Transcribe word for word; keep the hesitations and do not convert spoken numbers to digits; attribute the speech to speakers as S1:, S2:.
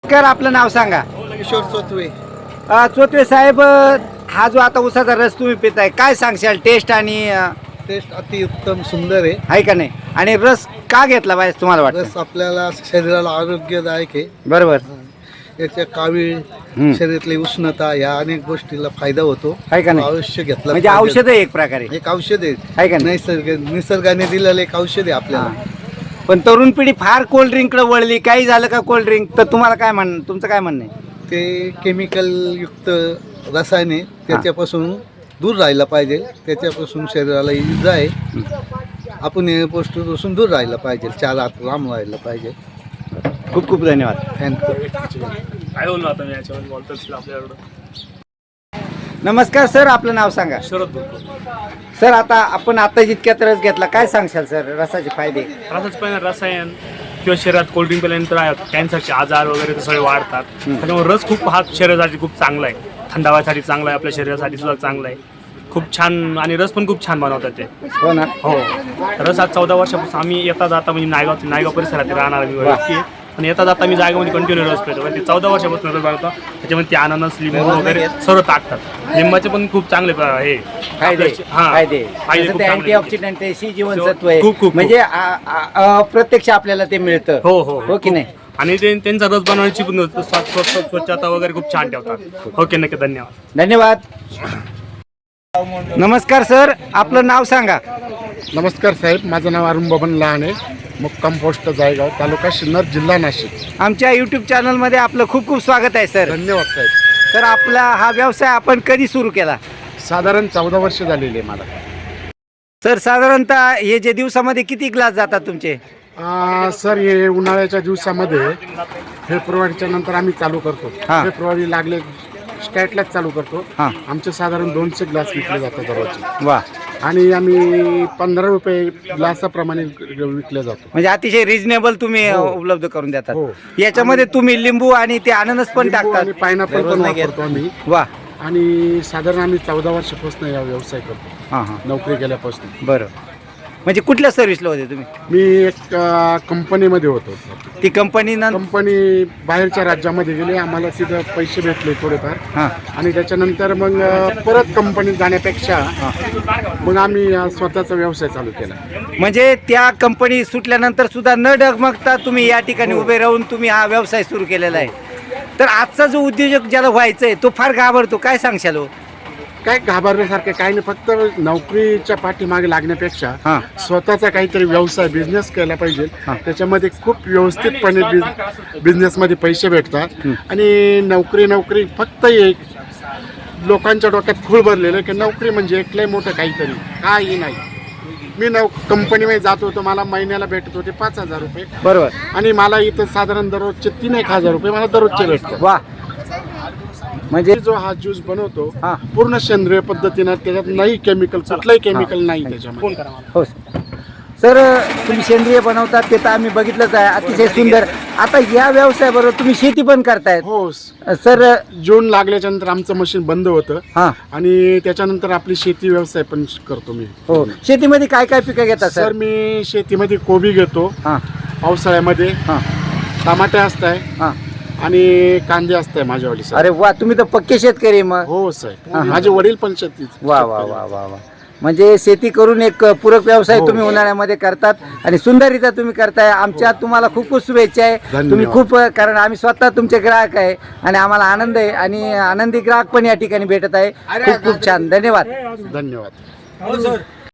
S1: कर आपलं नाव सांगा.
S2: किशोर चोथवे.
S1: अ, चोतवे साहेब, अ, हा जो आता उसाचा रस तुम्ही पिताय, काय सांगशाल टेस्ट आणि अ,
S2: टेस्ट अतिउत्तम सुंदर आहे.
S1: आहे का नाही? आणि रस का घेतला पाहिजे तुम्हाला
S2: रस
S1: वाटतं?
S2: आपल्याला शरीराला आरोग्यदायक आहे.
S1: बरोबर.
S2: याच्या कावीळ,
S1: हम्म.
S2: शरीरातली उष्णता या अनेक गोष्टीला फायदा होतो.
S1: आहे का नाही?
S2: अवश्य घेतला
S1: म्हणजे
S2: पाहिजे.
S1: औषध आहे एक प्रकारे,
S2: एक औषध आहे.
S1: आहे का नाही?
S2: नैसर्ग निसर्गाने दिलेलं एक औषध आहे आपल्याला.
S1: हा. पण तरुण पिढी फार कोल्ड ड्रिंककडे वळली. काही झालं का कोल्ड ड्रिंक, तर तुम्हाला काय म्हण तुमचं काय म्हणणं आहे?
S2: ते केमिकल युक्त रसायने त्याच्यापासून दूर राहायला पाहिजे. त्याच्यापासून शरीराला इजा आहे. आपण या गोष्टीपासून दूर राहायला पाहिजे. चार हात लांब राहायला पाहिजे.
S1: खूप खूप धन्यवाद.
S2: थँक्यू.
S3: काय बोललो आता मी याच्यामध्ये बोलतो आपल्याकडं.
S1: नमस्कार सर, आपलं नाव सांगा.
S3: शरद बोलतो.
S1: सर, आता आपण आता जितक्यात रस घेतला, काय सांगशाल सर रसाचे फायदे?
S3: रसाचं पहिलं रसायन किंवा शरीरात कोल्ड्रिंक पिल्यानंतर कॅन्सरचे आजार वगैरे ते सगळे वाढतात. त्याच्यामुळे रस खूप हा शरीरासाठी खूप चांगला आहे. थंडाव्यासाठी चांगला आहे, आपल्या शरीरासाठी सुद्धा चांगला आहे. खूप छान. आणि रस पण खूप छान बनवतात ते.
S1: हो ना.
S3: हो. रस आज चौदा वर्षापासून आम्ही येता जाता म्हणजे नायगाव नायगाव परिसरात राहणार मी व्यक्ती. आणि येता जाता मी जागेमध्ये कंटिन्यू रस पितो. ते चौदा वर्षापासून रस बनवतो. त्याच्यामध्ये ते अननस, लिंबू वगैरे सर्व टाकतात. लिंबाचे पण खूप चांगले प- हे
S1: फायदे
S3: हां.
S1: फायदे
S3: फायदे
S1: जसं
S3: खूप
S1: ते
S3: चांगले.
S1: अँटीऑक्सिडंट आहे, सी जीवनसत्व आहे.
S3: खूप, खूप,
S1: म्हणजे आ- आ- अप्रत्यक्ष आपल्याला ते मिळतं.
S3: हो हो
S1: हो की नाही?
S3: आणि ते त्यांचा रस बनवण्याची पण स्व- स्व- स्वच्छता वगैरे खूप छान ठेवतात. ओके, नक्की, धन्यवाद.
S1: धन्यवाद. नमस्कार सर, आपलं नाव सांगा.
S4: नमस्कार साहेब, माझं नाव अरुण बबन लहाने, मुक्काम पोस्ट जायगाव, तालुका सिन्नर, जिल्हा नाशिक.
S1: आमच्या यूट्यूब चॅनलमध्ये आपलं खूप खूप स्वागत आहे सर.
S4: धन्यवाद साहेब.
S1: तर आपला हा व्यवसाय आपण कधी सुरू केला?
S4: साधारण चौदा वर्ष झालेली आहे मला.
S1: सर, साधारणतः हे जे दिवसामध्ये किती ग्लास जातात तुमचे?
S4: आ, सर, हे उन्हाळ्याच्या दिवसामध्ये फेब्रुवारीच्या नंतर आम्ही चालू करतो.
S1: हा.
S4: फेब्रुवारी लागले स्टॅटलाच चालू करतो.
S1: हा.
S4: आमचे साधारण दोनशे ग्लास विकले जातात दररोजचे.
S1: वा,
S4: आणि आम्ही पंधरा रुपये ग्लासाप्रमाणे विकले जातो.
S1: म्हणजे अतिशय रिजनेबल तुम्ही
S4: हो.
S1: उपलब्ध करून देतात.
S4: हो.
S1: याच्यामध्ये तुम्ही लिंबू आणि ते अननस पण
S4: लिंबू
S1: टाकतात.
S4: आणि पायनॅपल पण वापरतो आम्ही.
S1: वा.
S4: आणि साधारण आम्ही चौदा वर्षापासून या व्यवसाय करतो,
S1: हां हां,
S4: नोकरी गेल्यापासून.
S1: बरं. म्हणजे कुठल्या सर्व्हिसला होते तुम्ही?
S4: मी एक अ, कंपनीमध्ये होतो.
S1: ती कंपनी ना?
S4: कंपनी बाहेरच्या राज्यामध्ये गेली, आम्हाला तिथं पैसे भेटले थोडेफार.
S1: हां
S4: आणि त्याच्यानंतर मग अ, परत कंपनीत जाण्यापेक्षा मग आम्ही अ, स्वतःचा व्यवसाय चालू केला.
S1: म्हणजे त्या कंपनी सुटल्यानंतर सुद्धा न डगमगता तुम्ही या ठिकाणी उभे राहून तुम्ही हा व्यवसाय सुरू केलेला आहे. तर आजचा जो उद्योजक ज्याला व्हायचा आहे तो फार घाबरतो, काय सांगशाल हो?
S4: काय घाबरण्यासारखं काही नाही, फक्त नोकरीच्या पाठीमागे लागण्यापेक्षा
S1: हां
S4: स्वतःचा काहीतरी व्यवसाय बिझनेस केला पाहिजे.
S1: हां.
S4: त्याच्यामध्ये खूप व्यवस्थितपणे बिझ बिझनेसमध्ये पैसे भेटतात. आणि नोकरी नोकरी फक्त एक लोकांच्या डोक्यात खूळ भरलेलं आहे की नोकरी म्हणजे एक लय मोठं काहीतरी. काही नाही. मी नौ कंपनीमध्ये जात होतो, मला महिन्याला भेटत होते पाच हजार रुपये.
S1: बरोबर.
S4: आणि मला इथं साधारण दररोजचे तीन एक हजार रुपये मला दररोजचे भेटतात.
S1: वा. म्हणजे
S4: जो हा ज्यूस बनवतो
S1: हां.
S4: पूर्ण सेंद्रिय पद्धतीनं, त्याच्यात नाही केमिकल, कुठलंही केमिकल नाही त्याच्यामध्ये.
S1: हो सर, तुम्ही सेंद्रिय बनवतात ते तर आम्ही बघितलंच आहे, अतिशय सुंदर. आता या व्यवसायाबरोबर तुम्ही शेती पण करतायत
S4: हो
S1: सर?
S4: जून लागल्याच्या नंतर आमचं मशीन बंद होतं.
S1: हां.
S4: आणि त्याच्यानंतर आपली शेती व्यवसाय पण करतो मी.
S1: हो. शेतीमध्ये काय काय पिकं घेतात
S4: सर,
S1: सर?
S4: मी शेतीमध्ये कोबी घेतो
S1: हां
S4: पावसाळ्यामध्ये,
S1: हां
S4: टमाटे असताय
S1: हां.
S4: आणि कांदे असताय माझ्यावाली. सर,
S1: अरे वा, तुम्ही तर पक्के शेतकरी मग.
S4: हो साहेब, माझे वडील पण शेती.
S1: वा वा वा वा वा. म्हणजे शेती करून एक पूरक व्यवसाय
S4: हो.
S1: तुम्ही उन्हाळ्यामध्ये करतात आणि सुंदररित्या तुम्ही करताय. आमच्या तुम्हाला खूप खूप शुभेच्छा आहे.
S4: धन्यवाद.
S1: तुम्ही खूप, कारण आम्ही स्वतः तुमचे ग्राहक आहे आणि आम्हाला आनंद आहे आणि आनंदी ग्राहक पण या ठिकाणी भेटत आहे. खूप खूप छान. धन्यवाद.
S4: धन्यवाद.